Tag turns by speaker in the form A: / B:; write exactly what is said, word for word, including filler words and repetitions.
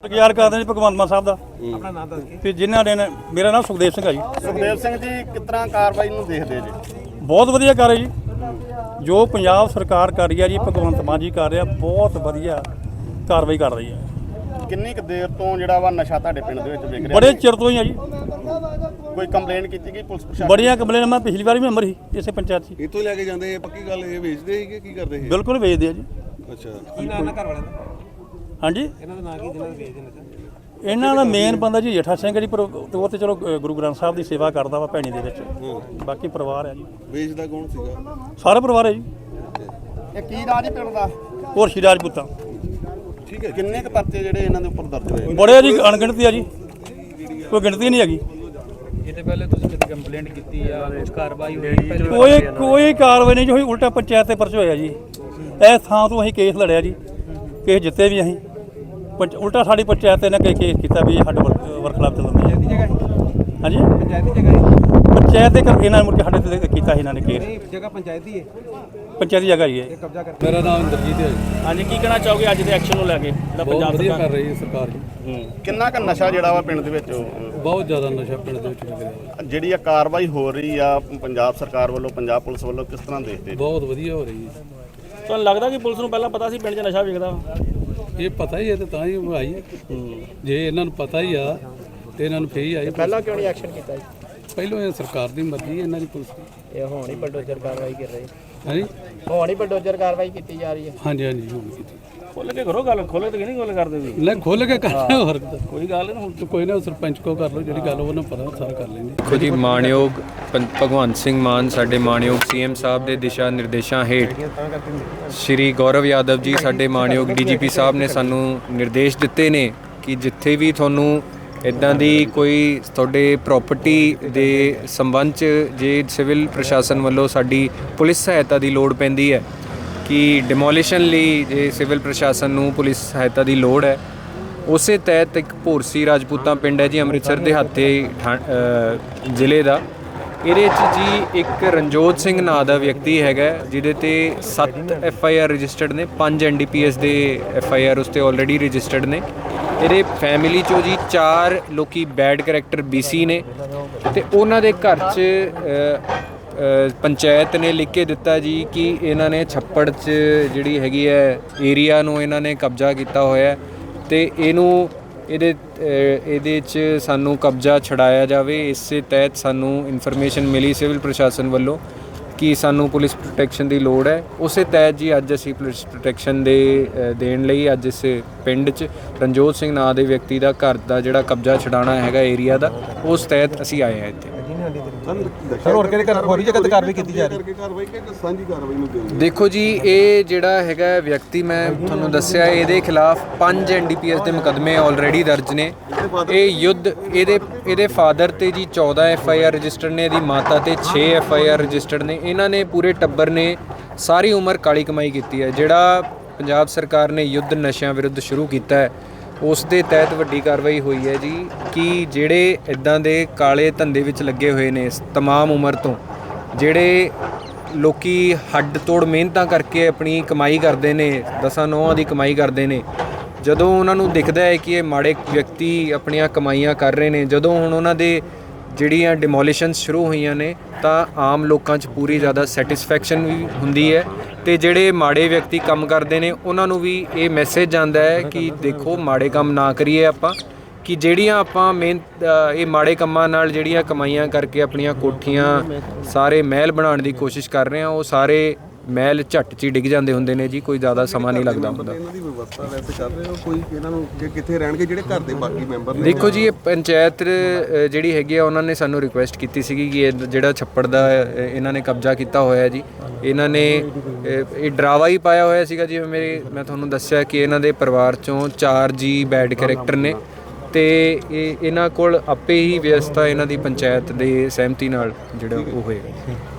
A: ਯਾਰ ਕਰਦੇ ਜੀ ਭਗਵੰਤ ਮਾਨ ਸਾਹਿਬ ਦਾ ਆਪਣਾ ਨਾਮ ਦੱਸ ਕੇ ਤੇ ਜਿਨ੍ਹਾਂ ਨੇ ਮੇਰਾ ਨਾਮ ਸੁਖਦੇਵ ਸਿੰਘ ਹੈ ਜੀ।
B: ਸੁਖਦੇਵ ਸਿੰਘ ਜੀ ਕਿਸ ਤਰ੍ਹਾਂ ਕਾਰਵਾਈ ਨੂੰ ਦੇਖਦੇ ਜੀ?
A: ਬਹੁਤ ਵਧੀਆ ਕਰ ਰਹੀ ਜੀ, ਜੋ ਪੰਜਾਬ ਸਰਕਾਰ ਕਰ ਰਹੀ ਹੈ ਜੀ, ਭਗਵੰਤ ਮਾਨ ਜੀ ਕਰ ਰਿਹਾ, ਬਹੁਤ ਵਧੀਆ ਕਾਰਵਾਈ ਕਰ ਰਹੀ ਹੈ।
B: ਕਿੰਨੀ ਕੁ ਦੇਰ ਤੋਂ ਜਿਹੜਾ ਵਾ ਨਸ਼ਾ ਤੁਹਾਡੇ ਪਿੰਡ ਦੇ ਵਿੱਚ ਵਿਕ ਰਿਹਾ?
A: ਬੜੇ ਚਿਰ ਤੋਂ ਹੀ ਆ ਜੀ।
B: ਕੋਈ ਕੰਪਲੇਂਟ ਕੀਤੀ ਗਈ ਪੁਲਿਸ ਪ੍ਰਸ਼ਾਸਨ?
A: ਬੜੀਆਂ ਕੰਪਲੇਨਾਂ, ਮੈਂ ਪਿਛਲੀ ਵਾਰ ਵੀ ਮੈਂਬਰ ਸੀ ਇਸੇ ਪੰਚਾਇਤ 'ਚ।
C: ਇੱਥੋਂ ਲੈ ਕੇ ਜਾਂਦੇ ਇਹ ਪੱਕੀ ਗੱਲ, ਇਹ ਵੇਚਦੇ ਸੀ ਕਿ ਕੀ ਕਰਦੇ ਸੀ?
A: ਬਿਲਕੁਲ ਵੇਚਦੇ ਆ ਜੀ।
C: ਅੱਛਾ,
D: ਕੀ ਨਾਮ ਹੈ ਘਰ ਵਾਲਿਆਂ ਦਾ?
A: ਹਾਂਜੀ,
D: ਇਹਨਾਂ ਦਾ ਨਾਂ ਕੀ ਜਿਹਨਾਂ ਦੇ ਵੇਚਦੇ ਨੇ?
A: ਇਹਨਾਂ ਦਾ ਮੇਨ ਬੰਦਾ ਜੀ ਜੇਠਾ ਸਿੰਘ ਜੀ, ਪਰ ਉਹ ਤੇ ਚਲੋ ਗੁਰੂ ਗ੍ਰੰਥ ਸਾਹਿਬ ਦੀ ਸੇਵਾ ਕਰਦਾ ਵਾ ਭੈਣੀ ਦੇ ਵਿੱਚ। ਬਾਕੀ ਪਰਿਵਾਰ ਹੈ ਜੀ,
C: ਵੇਚਦਾ ਕੌਣ ਸੀਗਾ?
A: ਸਾਰਾ ਪਰਿਵਾਰ ਹੈ ਜੀ।
B: ਇਹ ਕੀ ਰਾਜ ਪਿੰਡ ਦਾ?
A: ਹੋਰ ਸ਼੍ਰੀ ਰਾਜਪੂਤਾਂ।
C: ਠੀਕ ਹੈ।
B: ਕਿੰਨੇ ਕੁ ਪਰਚੇ ਜਿਹੜੇ ਇਹਨਾਂ ਦੇ ਉੱਪਰ ਦਰਜ ਹੋਏ?
A: ਬੜੇ ਜੀ, ਅਣਗਿਣਤੀ ਆ ਜੀ, ਕੋਈ ਗਿਣਤੀ ਨਹੀਂ ਹੈਗੀ।
D: ਇਹਦੇ ਪਹਿਲੇ ਤੁਸੀਂ ਕਿਤੇ ਕੰਪਲੇਂਟ ਕੀਤੀ ਆ, ਕੁਝ ਕਾਰਵਾਈ ਹੋਈ? ਪਹਿਲੇ
A: ਕੋਈ ਕੋਈ ਕਾਰਵਾਈ ਨਹੀਂ ਜੀ ਹੋਈ, ਉਲਟਾ ਪੰਚਾਇਤ ਤੇ ਪਰਚਾ ਹੋਇਆ ਜੀ। ਇਸ ਥਾਂ ਤੋਂ ਅਸੀਂ ਕੇਸ ਲੜਿਆ ਜੀ, ਕੇਸ ਜਿੱਤੇ ਵੀ ਅਸੀਂ। ਪੰਚ ਉਲਟਾ ਸਾਡੀ ਪੰਚਾਇਤ ਨੇ ਕੇਸ ਕੀਤਾ ਵੀ ਸਾਡੇ ਵਰਖਲਾਫ ਚੱਲਦਾ
D: ਦੀ ਜਗ੍ਹਾ
A: ਹਾਂਜੀ,
D: ਪੰਚਾਇਤ ਦੀ ਜਗ੍ਹਾ
A: ਪੰਚਾਇਤ ਦੇ ਕਰ ਇਹਨਾਂ ਨੇ ਮੁੜ ਕੇ ਸਾਡੇ ਤੇ ਕੀਤਾ ਸੀ ਇਹਨਾਂ ਨੇ ਕੇਸ।
D: ਨਹੀਂ, ਜਗ੍ਹਾ ਪੰਚਾਇਤ ਦੀ ਹੈ,
A: ਪੰਚਾਇਤ ਦੀ ਜਗ੍ਹਾ ਹੀ ਹੈ।
D: ਇਹ ਕਬਜ਼ਾ ਕਰ।
E: ਮੇਰਾ ਨਾਮ ਇੰਦਰਜੀਤ ਹੈ ਜੀ।
A: ਹਾਂਜੀ, ਕੀ ਕਹਿਣਾ ਚਾਹੋਗੇ ਅੱਜ ਦੇ ਐਕਸ਼ਨ ਨੂੰ ਲੈ ਕੇ ਜਿਹੜਾ
E: ਬਹੁਤ ਵਧੀਆ ਕਰ ਰਹੀ ਹੈ ਸਰਕਾਰ ਜੀ।
B: ਕਿੰਨਾ ਕੁ ਨਸ਼ਾ ਜਿਹੜਾ ਵਾ ਪਿੰਡ ਦੇ ਵਿੱਚ
E: ਬਹੁਤ ਜ਼ਿਆਦਾ ਨਸ਼ਾ ਪਿੰਡ ਦੇ ਵਿੱਚ ਵਿਕ ਰਿਹਾ ਹੈ।
B: ਜਿਹੜੀ ਆ ਕਾਰਵਾਈ ਹੋ ਰਹੀ ਆ ਪੰਜਾਬ ਸਰਕਾਰ ਵੱਲੋਂ, ਪੰਜਾਬ ਪੁਲਿਸ ਵੱਲੋਂ, ਕਿਸ ਤਰ੍ਹਾਂ ਦੇਖਦੇ ਜੀ?
E: ਬਹੁਤ ਵਧੀਆ ਹੋ ਰਹੀ ਹੈ।
A: ਤੁਹਾਨੂੰ ਲੱਗਦਾ ਕਿ ਪੁਲਿਸ ਨੂੰ ਪਹਿਲਾਂ ਪਤਾ ਸੀ ਪਿੰਡ 'ਚ ਨਸ਼ਾ ਵਿਕਦਾ?
E: ਇਹ ਪਤਾ ਹੀ ਹੈ ਤੇ ਤਾਂ ਹੀ ਉਹ ਆਈ ਹੈ। ਜੇ ਇਹਨਾਂ ਨੂੰ ਪਤਾ ਹੀ ਆ ਤੇ ਇਹਨਾਂ ਨੂੰ ਫੇਰ ਹੀ ਆਈ।
D: ਪਹਿਲਾਂ ਕਿਉਂ ਨਹੀਂ ਐਕਸ਼ਨ ਕੀਤਾ ਜੀ?
E: ਪਹਿਲੋਂ ਇਹ ਸਰਕਾਰ ਦੀ ਮਰਜ਼ੀ ਹੈ, ਇਹਨਾਂ ਦੀ ਪੁਲਿਸ ਦੀ।
D: ਇਹ ਹੁਣ ਹੀ ਬਲਡੋਜ਼ਰ ਕਾਰਵਾਈ ਕਰ ਰਹੀ
E: ਹਾਂਜੀ
D: ਹੁਣ ਹੀ ਬਲਡੋਜ਼ਰ ਕਾਰਵਾਈ ਕੀਤੀ ਜਾ ਰਹੀ ਹੈ।
E: ਹਾਂਜੀ ਹਾਂਜੀ ਹੁਣ ਕੀਤੀ।
A: ਖੋਲ ਕੇ ਕਰੋ ਗੱਲ, ਖੋਲੇ ਤੇ ਨਹੀਂ ਗੱਲ ਕਰਦੇ ਵੀ।
E: ਲੈ ਖੁੱਲ ਕੇ ਕਰਨਾ ਹੋਰ
A: ਕੋਈ ਗੱਲ ਨਹੀਂ, ਹੁਣ
E: ਤਾਂ ਕੋਈ ਨਾ ਸਰਪੰਚ ਕੋ ਕਰ ਲਓ, ਜਿਹੜੀ ਗੱਲ ਉਹਨਾਂ ਪਤਾ ਸਾਰਾ ਕਰ ਲੈਂਦੇ।
F: ਦੇਖੋ ਜੀ, ਮਾਣਯੋਗ ਪੰ- ਭਗਵੰਤ ਸਿੰਘ ਮਾਨ ਸਾਡੇ ਮਾਣਯੋਗ ਸੀਐਮ ਸਾਹਿਬ ਦੇ ਦਿਸ਼ਾ ਨਿਰਦੇਸ਼ਾਂ ਹੇਠ ਸ਼੍ਰੀ ਗੌਰਵ ਯਾਦਵ ਜੀ ਸਾਡੇ ਮਾਣਯੋਗ ਡੀਜੀਪੀ ਸਾਹਿਬ ਨੇ ਸਾਨੂੰ ਨਿਰਦੇਸ਼ ਦਿੱਤੇ ਨੇ ਕਿ ਜਿੱਥੇ ਵੀ ਤੁਹਾਨੂੰ ਇੱਦਾਂ ਦੀ ਕੋਈ ਤੁਹਾਡੇ ਪ੍ਰਾਪਰਟੀ ਦੇ ਸੰਬੰਧ 'ਚ ਜੇ ਸਿਵਲ ਪ੍ਰਸ਼ਾਸਨ ਵੱਲੋਂ ਸਾਡੀ ਪੁਲਿਸ ਸਹਾਇਤਾ ਦੀ ਲੋੜ ਪੈਂਦੀ ਹੈ ਕਿ ਡਿਮੋਲੀਸ਼ਨ ਲਈ ਜੇ ਸਿਵਲ ਪ੍ਰਸ਼ਾਸਨ ਨੂੰ ਪੁਲਿਸ ਸਹਾਇਤਾ ਦੀ ਲੋੜ ਹੈ, ਉਸੇ ਤਹਿਤ ਇੱਕ ਭੋਰਸੀ ਰਾਜਪੂਤਾਂ ਪਿੰਡ ਹੈ ਜੀ, ਅੰਮ੍ਰਿਤਸਰ ਦੇ ਹੱਥੇ ਜ਼ਿਲ੍ਹੇ ਦਾ। ਇਹਦੇ 'ਚ ਜੀ ਇੱਕ ਰਣਜੋਤ ਸਿੰਘ ਨਾਂ ਦਾ ਵਿਅਕਤੀ ਹੈਗਾ ਜਿਹਦੇ ਤੇ ਸੱਤ ਐਫ ਆਈ ਆਰ ਰਜਿਸਟਰਡ ਨੇ, ਪੰਜ ਐਨ ਡੀ ਪੀ ਐਸ ਦੇ ਐਫ ਆਈ ਆਰ ਉਸ 'ਤੇ ਆਲਰੇਡੀ ਰਜਿਸਟਰਡ ਨੇ। ਇਹਦੇ ਫੈਮਿਲੀ 'ਚੋਂ ਜੀ ਚਾਰ ਲੋਕੀ ਬੈਡ ਕਰੈਕਟਰ ਬੀ ਸੀ ਨੇ ਅਤੇ ਉਹਨਾਂ ਦੇ ਘਰ 'ਚ ਪੰਚਾਇਤ ਨੇ ਲਿਖ ਕੇ ਦਿੱਤਾ ਜੀ ਕਿ ਇਹਨਾਂ ਨੇ ਛੱਪੜ 'ਚ ਜਿਹੜੀ ਹੈਗੀ ਹੈ ਏਰੀਆ ਨੂੰ ਇਹਨਾਂ ਨੇ ਕਬਜ਼ਾ ਕੀਤਾ ਹੋਇਆ ਅਤੇ ਇਹਨੂੰ ਇਹਦੇ ਇਹਦੇ 'ਚ ਸਾਨੂੰ ਕਬਜ਼ਾ ਛਡਾਇਆ ਜਾਵੇ। ਇਸੇ ਤਹਿਤ ਸਾਨੂੰ ਇਨਫੋਰਮੇਸ਼ਨ ਮਿਲੀ ਸਿਵਲ ਪ੍ਰਸ਼ਾਸਨ ਵੱਲੋਂ ਕਿ ਸਾਨੂੰ ਪੁਲਿਸ ਪ੍ਰੋਟੈਕਸ਼ਨ ਦੀ ਲੋੜ ਹੈ। ਉਸੇ ਤਹਿਤ ਜੀ ਅੱਜ ਅਸੀਂ ਪੁਲਿਸ ਪ੍ਰੋਟੈਕਸ਼ਨ ਦੇ ਦੇਣ ਲਈ ਅੱਜ ਇਸ ਪਿੰਡ 'ਚ ਰਣਜੋਤ ਸਿੰਘ ਨਾਂ ਦੇ ਵਿਅਕਤੀ ਦਾ ਘਰ ਦਾ ਜਿਹੜਾ ਕਬਜ਼ਾ ਛਡਾਉਣਾ ਹੈਗਾ ਏਰੀਆ ਦਾ, ਉਸ ਤਹਿਤ ਅਸੀਂ ਆਏ ਹਾਂ ਇੱਥੇ।
D: ਸਰ ਹੋਰ ਕਿਹੜੇ ਹੋਰ ਜਗ੍ਹਾ ਤੇ ਕਾਰਵਾਈ ਕੀਤੀ ਜਾ ਰਹੀ ਹੈ?
C: ਕਾਰਵਾਈ ਕਿ ਸਾਂਝੀ ਕਾਰਵਾਈ ਨੂੰ ਦੇਣ?
F: ਦੇਖੋ ਜੀ, ਇਹ ਜਿਹੜਾ ਹੈਗਾ ਵਿਅਕਤੀ ਮੈਂ ਤੁਹਾਨੂੰ ਦੱਸਿਆ, ਇਹਦੇ ਖਿਲਾਫ ਪੰਜ ਐਨ ਡੀ ਪੀ ਐਸ ਦੇ ਮੁਕੱਦਮੇ ਆਲਰੇਡੀ ਦਰਜ ਨੇ। ਇਹ ਯੁੱਧ ਇਹਦੇ ਇਹਦੇ ਫਾਦਰ ਤੇ ਜੀ ਚੌਦਾਂ ਐਫ ਆਈ ਆਰ ਰਜਿਸਟਰਡ ਨੇ, ਇਹਦੀ ਮਾਤਾ ਤੇ ਛੇ ਐਫ ਆਈ ਆਰ ਰਜਿਸਟਰਡ ਨੇ। ਇਹਨਾਂ ਨੇ ਪੂਰੇ ਟੱਬਰ ਨੇ ਸਾਰੀ ਉਮਰ ਕਾਲੀ ਕਮਾਈ ਕੀਤੀ ਹੈ। ਜਿਹੜਾ ਪੰਜਾਬ ਸਰਕਾਰ ਨੇ ਯੁੱਧ ਨਸ਼ਿਆਂ ਵਿਰੁੱਧ ਸ਼ੁਰੂ ਕੀਤਾ ਹੈ, ਉਸ ਦੇ ਤਹਿਤ ਵੱਡੀ ਕਾਰਵਾਈ ਹੋਈ ਹੈ ਜੀ ਕਿ ਜਿਹੜੇ ਇੱਦਾਂ ਦੇ ਕਾਲੇ ਧੰਦੇ ਵਿੱਚ ਲੱਗੇ ਹੋਏ ਨੇ ਤਮਾਮ ਉਮਰ ਤੋਂ, ਜਿਹੜੇ ਲੋਕੀ ਹੱਡ ਤੋੜ ਮਿਹਨਤਾਂ ਕਰਕੇ ਆਪਣੀ ਕਮਾਈ ਕਰਦੇ ਨੇ, ਦਸਾਂ ਨੌਹਾਂ ਦੀ ਕਮਾਈ ਕਰਦੇ ਨੇ, ਜਦੋਂ ਉਹਨਾਂ ਨੂੰ ਦਿਖਦਾ ਹੈ ਕਿ ਇਹ ਮਾੜੇ ਵਿਅਕਤੀ ਆਪਣੀਆਂ ਕਮਾਈਆਂ ਕਰ ਰਹੇ ਨੇ, ਜਦੋਂ ਹੁਣ ਉਹਨਾਂ ਦੇ ਜਿਹੜੀਆਂ ਡਿਮੋਲੀਸ਼ਨਸ ਸ਼ੁਰੂ ਹੋਈਆਂ ਨੇ ਤਾਂ ਆਮ ਲੋਕਾਂ 'ਚ ਪੂਰੀ ਜ਼ਿਆਦਾ ਸੈਟਿਸਫੈਕਸ਼ਨ ਵੀ ਹੁੰਦੀ ਹੈ ਅਤੇ ਜਿਹੜੇ ਮਾੜੇ ਵਿਅਕਤੀ ਕੰਮ ਕਰਦੇ ਨੇ ਉਹਨਾਂ ਨੂੰ ਵੀ ਇਹ ਮੈਸੇਜ ਜਾਂਦਾ ਹੈ ਕਿ ਦੇਖੋ ਮਾੜੇ ਕੰਮ ਨਾ ਕਰੀਏ ਆਪਾਂ, ਕਿ ਜਿਹੜੀਆਂ ਆਪਾਂ ਮਿਹਨਤ ਇਹ ਮਾੜੇ ਕੰਮਾਂ ਨਾਲ ਜਿਹੜੀਆਂ ਕਮਾਈਆਂ ਕਰਕੇ ਆਪਣੀਆਂ ਕੋਠੀਆਂ ਸਾਰੇ ਮਹਿਲ ਬਣਾਉਣ ਦੀ ਕੋਸ਼ਿਸ਼ ਕਰ ਰਹੇ ਹਾਂ, ਉਹ ਸਾਰੇ ਮਹਿਲ ਝੱਟ 'ਚ ਹੀ ਡਿੱਗ ਜਾਂਦੇ ਹੁੰਦੇ ਨੇ ਜੀ, ਕੋਈ ਜ਼ਿਆਦਾ ਸਮਾਂ ਨਹੀਂ ਲੱਗਦਾ ਹੁੰਦਾ।
C: ਇਹਨਾਂ ਦੀ ਵਿਵਸਥਾ ਵੈਸੇ ਕਰ ਰਹੇ ਹੋ ਕੋਈ, ਇਹਨਾਂ ਨੂੰ ਕਿ ਕਿੱਥੇ ਰਹਿਣਗੇ ਜਿਹੜੇ ਘਰ ਦੇ ਬਾਕੀ ਮੈਂਬਰ ਨੇ?
F: ਦੇਖੋ ਜੀ, ਇਹ ਪੰਚਾਇਤ ਜਿਹੜੀ ਹੈਗੀ ਆ ਉਹਨਾਂ ਨੇ ਸਾਨੂੰ ਰਿਕੁਐਸਟ ਕੀਤੀ ਸੀਗੀ ਕਿ ਇਹ ਜਿਹੜਾ ਛੱਪੜ ਦਾ ਇਹਨਾਂ ਨੇ ਕਬਜ਼ਾ ਕੀਤਾ ਹੋਇਆ ਜੀ, ਇਹਨਾਂ ਨੇ ਇਹ ਡਰਾਵਾ ਹੀ ਪਾਇਆ ਹੋਇਆ ਸੀਗਾ। ਜਿਵੇਂ ਮੇਰੇ ਮੈਂ ਤੁਹਾਨੂੰ ਦੱਸਿਆ ਕਿ ਇਹਨਾਂ ਦੇ ਪਰਿਵਾਰ 'ਚੋਂ ਚਾਰ ਜੀ ਬੈਡ ਕਰੈਕਟਰ ਨੇ ਅਤੇ ਇਹ ਇਹਨਾਂ ਕੋਲ ਆਪੇ ਹੀ ਵਿਵਸਥਾ ਇਹਨਾਂ ਦੀ ਪੰਚਾਇਤ ਦੇ ਸਹਿਮਤੀ ਨਾਲ ਜਿਹੜਾ ਉਹ ਹੋਏਗਾ।